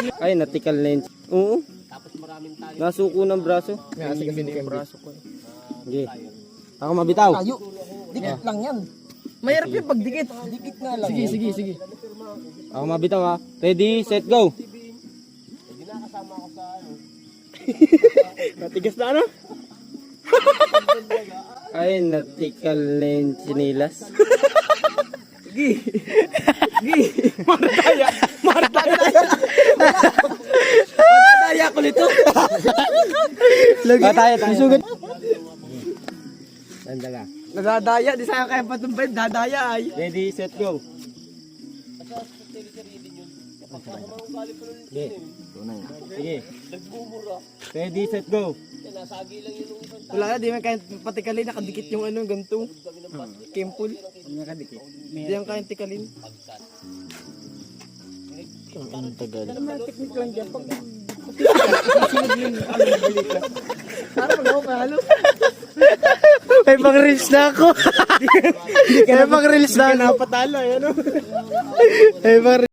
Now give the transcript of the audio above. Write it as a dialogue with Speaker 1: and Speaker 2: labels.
Speaker 1: Ay, natikal na yun. Oo. Nasuko ng braso.
Speaker 2: Kasi yung braso ko.
Speaker 1: Sige. Ako mabitaw.
Speaker 2: Tayo. Dikit lang yan. Mahirap yung pagdikit. Dikit nga lang. Sige.
Speaker 1: Ako mabitaw ha. Ready, set, go.
Speaker 2: Matigas na ano?
Speaker 1: Ay, natikal na yung sinilas.
Speaker 2: Madadaya ko nito.
Speaker 1: Tayo. Sugat.
Speaker 2: Nadadaya. Di sa'yo kaya patumbay. Dadaya ay.
Speaker 1: Ready, set, go. Sige. Sige. Ready, set, go.
Speaker 2: Wala na. Di man kaya patikalin. Nakadikit yung ano. Ganito. Kempul.
Speaker 1: Nakadikit.
Speaker 2: Di yan kaya tikalin.
Speaker 1: Ang tagal.
Speaker 2: Technique lang dyan. Pag para mag-ako kahalo.
Speaker 1: May pang-reels na ako. May pang-reels na ako.
Speaker 2: Napatalo. Ano?
Speaker 1: May pang